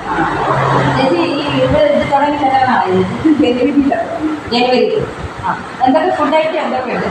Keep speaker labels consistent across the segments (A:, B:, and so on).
A: ചേച്ചി ഇത് തുടങ്ങി തരാനാണ് ജനുവരി. ആ എന്തൊക്കെ ഫുഡ് ഐറ്റം എന്തൊക്കെയുണ്ട്?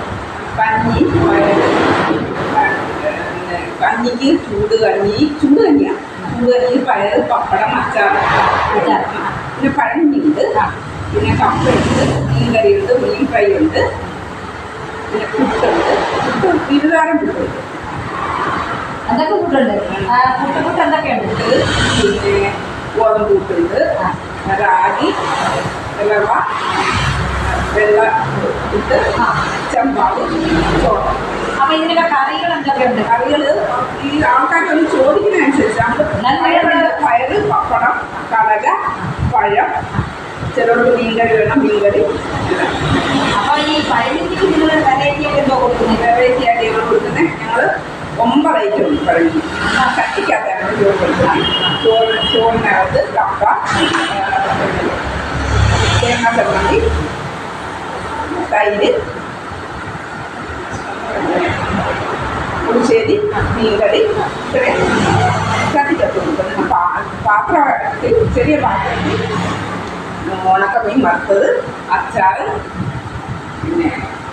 B: കഞ്ഞിക്ക് ചൂട് കഞ്ഞിയാണ്. ചൂട് കഞ്ഞി പയർ പപ്പടം അച്ചാർ പിന്നെ പഴഞ്ഞിയുണ്ട്, പിന്നെ കപ്പയുണ്ട്, മീൻ കറിയുണ്ട്, മീൻ ഫ്രൈ ഉണ്ട്, പിന്നെ പുട്ടുണ്ട്. ഇരുതാരം പുട്ടുണ്ട്.
A: എന്തൊക്കെ ഫുഡുണ്ട്? പുട്ട് എന്തൊക്കെയുണ്ട്?
B: പിന്നെ ഗോതമ്പ് പുട്ടുണ്ട്, റാഗി, റവ, വെള്ള പുട്ട്, ചമ്പാവ്, ചോറ്.
A: അപ്പൊ ഇതിനൊക്കെ കറികൾ എന്തൊക്കെയുണ്ട്?
B: കറികൾ ഈ ആൾക്കാർക്കൊന്ന് ചോദിക്കുന്നതനുസരിച്ച് പയറ്, പപ്പടം, കടല, പഴം, ചിലർക്ക് മീൻകറി വേണം, മീൻകറി.
A: അപ്പോൾ ഈ പഴനിക്ക് നിങ്ങൾ വെറൈറ്റി ആയിട്ട് എന്തോ കൊടുക്കുന്നത്?
B: വെറൈറ്റി ആയിട്ട് ഞങ്ങൾ കൊടുക്കുന്നത് ഞങ്ങൾ 9 ഐറ്റം ഉണ്ട്. പഴനി കട്ടിക്കകത്താണ് ചോറ് കൊടുക്കുന്നത്. ചോറിനകത്ത് കപ്പ, തേങ്ങ ചമ്മന്തി, തൈര്, പുളിശ്ശേരി, മീൻകറി, ഇത്രയും കട്ടിക്കത്ത് കൊടുക്കുന്നത്. പാത്രം ചെറിയ പാത്രത്തിൽ ഉണക്കമീൻ വറുത്തത്, അച്ചാർ, പിന്നെ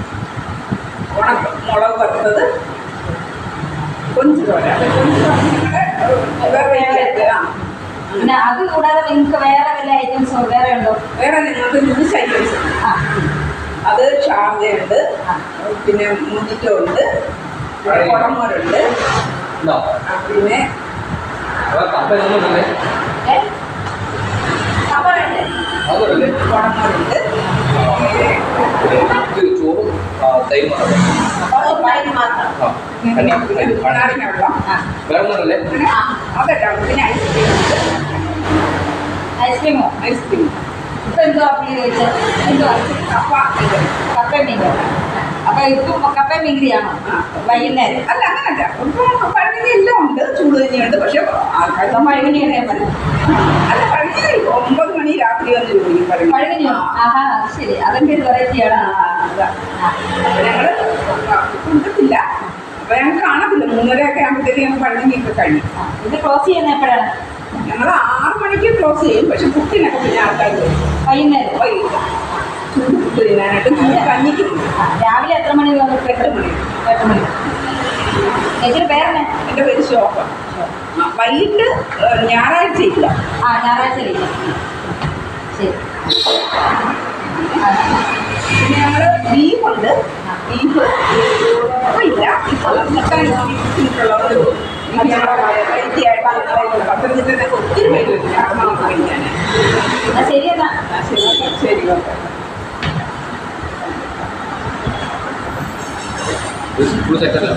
B: മുളക് വറുത്തത്, കൊഞ്ച് തോര.
A: പിന്നെ അത് കൂടാതെ നിങ്ങൾക്ക് വേറെ വല്ല ഐറ്റംസോ വേറെ ഉണ്ടോ?
B: വേറെ ഞങ്ങൾക്ക് ജ്യൂസ് ഐറ്റംസ്. അത് ഷാർജയുണ്ട്, പിന്നെ മുജിറ്റോ ഉണ്ട്, കുടമോരുണ്ട്, പിന്നെ കുടമോരുണ്ട്,
A: ഐസ്ക്രീമോ?
B: ഐസ്ക്രീം.
A: ഇപ്പം എന്തോ അപ്ലൈ ചോദിച്ചത്? എന്തോ കപ്പ മീൻ. അപ്പൊ ഇപ്പം കപ്പ മീൻകറിയാണോ വൈകുന്നേരം?
B: അല്ല, അങ്ങനല്ല. ഇപ്പം പഴകിനി എല്ലാം ഉണ്ട്. ചൂട് തന്നെയുണ്ട്. പക്ഷെ
A: പഴകിനിയാണ് ഞാൻ പറഞ്ഞത്.
B: അല്ല, പഴകിനി 9 മണി രാത്രി വന്ന് ചോദിക്കും.
A: പഴകിനിയോ? ആഹാ, ശരി. അതൊക്കെ ഒരു വെറൈറ്റിയാണ്.
B: ഞങ്ങൾ കൊടുക്കത്തില്ല. അപ്പൊ ഞങ്ങൾ കാണത്തില്ല. 3:30 ആകുമ്പോഴത്തേക്ക് ഞങ്ങൾ പഴകിനിയൊക്കെ കഴിയും.
A: ഇത് ക്ലോസ് ചെയ്യുന്ന എപ്പോഴാണ്?
B: ഞങ്ങൾ 6 മണിക്ക് ക്ലോസ് ചെയ്യും. പക്ഷെ പുട്ടിനൊക്കെ പിന്നെ ആൾക്കാർ
A: വൈകുന്നേരം
B: ചൂട് പുട്ട് തിന്നാനായിട്ട് ചൂട് കഞ്ഞിക്ക്.
A: രാവിലെ എത്ര മണി?
B: 8 മണി.
A: 8 മണി. ചേച്ചിയുടെ പേരെന്നെ?
B: എൻ്റെ പേര് ശോഭ. വൈകിട്ട് ഞായറാഴ്ച ഇല്ല.
A: ഞായറാഴ്ച ഇല്ല. ശരി.
B: പിന്നെ ഞങ്ങൾ ബീഫുണ്ട്. ബീഫ് ഇല്ല. ഇപ്പോൾ മുട്ടുള്ളവർ വെറൈറ്റി ആയിട്ട് പത്തനംതിട്ടൊക്കെ ഒത്തിരി പേര് കഴിക്കാൻ.
A: ശരി എന്നാ.
B: ശരി, ഓക്കെ.
C: ഫുൾ സെറ്റല്ല.